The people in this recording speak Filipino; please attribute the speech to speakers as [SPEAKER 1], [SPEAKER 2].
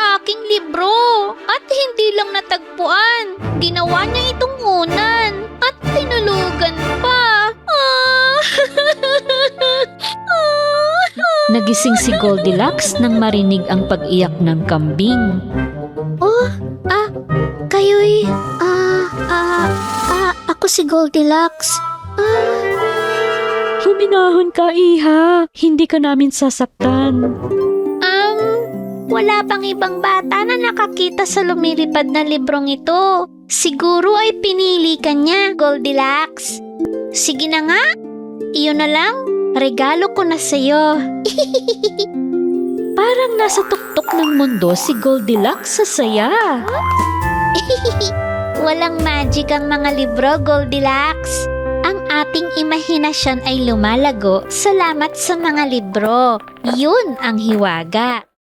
[SPEAKER 1] aking libro at hindi lang natagpuan. Ginawa niya itong unan at tinulugan pa.
[SPEAKER 2] Nagising si Goldilocks nang marinig ang pag-iyak ng kambing.
[SPEAKER 1] Kayo'y, ako si Goldilocks.
[SPEAKER 2] Huminahon ka, iha. Hindi ka namin sasaktan.
[SPEAKER 1] Wala pang ibang bata na nakakita sa lumilipad na librong ito. Siguro ay pinili ka niya, Goldilocks. Sige na nga, iyon na lang. Regalo ko na sa'yo.
[SPEAKER 2] Parang nasa tuktok ng mundo si Goldilocks sa saya.
[SPEAKER 1] Walang magic ang mga libro, Goldilocks. Ang ating imahinasyon ay lumalago salamat sa mga libro. Yun ang hiwaga.